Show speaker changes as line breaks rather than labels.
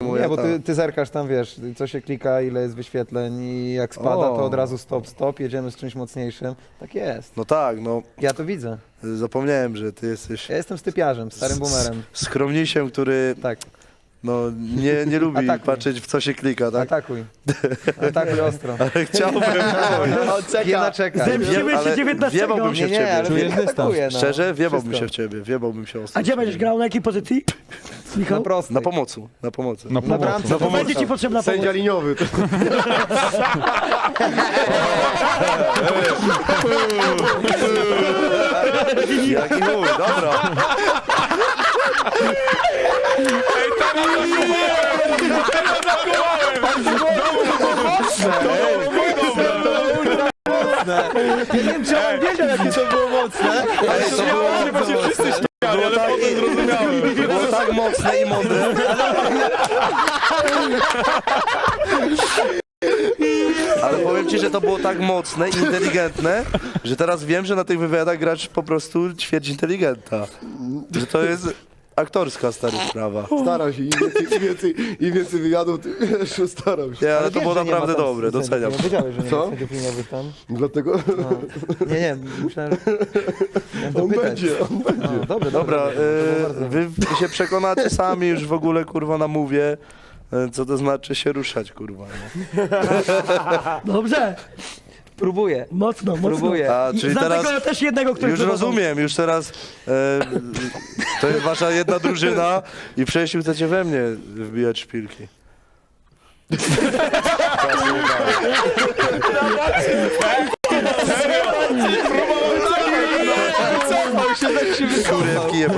Nie, bo ty zerkasz tam, wiesz, co się klika, ile jest wyświetleń i jak spada, to od razu stop, jedziemy z czymś mocniejszym. Tak jest.
No tak, no
Ja to widzę.
zapomniałem, że ty jesteś
Ja jestem stypiarzem, starym boomerem.
skromnisiem, który
Tak,
no, nie lubi
Atakuj.
patrzeć w co się klika, tak?
atakuj. Atakuj ostro.
Ale chciałbym.
Jedna czeka.
Zemścimy się
ale
19.
wiebałbym się w
Nie,
ciebie.
ale
Czujesz
nie
dystans.
atakuję, no.
Szczerze, wiebałbym
Wszystko.
się w ciebie, wiebałbym się ostro.
A gdzie będziesz grał? Na jakiej pozycji? Michał?
Na prostej.
Na pomocy, na pomocy.
Na pomocy.
bramce.
To będzie ci potrzebna pomoc.
Sędzia liniowy.
Jaki chuj, dobra.
Ja nie wiem, czy on wiedział, jakie to było mocne, ale to było bardzo mocne.
Było tak mocne i mądre. Ale powiem ci, że to było tak mocne i inteligentne, że teraz wiem, że na tych wywiadach gracz po prostu ćwierć inteligenta. Że to jest aktorska stara sprawa.
Staram się, im więcej wywiadów, tym wiesz, staram się.
Nie, ale to
wiesz,
było
że nie ma
naprawdę
tam
dobre,
sędziów.
doceniam.
Nie wiedziałeś, że nie
Co?
ma sędziów liniowych tam?
Dlatego
No. Nie, myślałem, że... miałem
on
dopytać.
będzie, on będzie.
No, dobrze,
Dobra,
dobrze. To było bardzo-
wy się przekonacie sami już w ogóle, kurwa, na mówię, co to znaczy się ruszać, kurwa. Nie?
Dobrze.
Próbuję,
Mocno.
próbuję.
A,
I
czyli
znam
teraz...
tego też jednego, który
Już
próbował.
rozumiem, już teraz to jest wasza jedna drużyna i przejściu chcecie we mnie wbijać szpilki.
Cofał się, tak się
Kurewki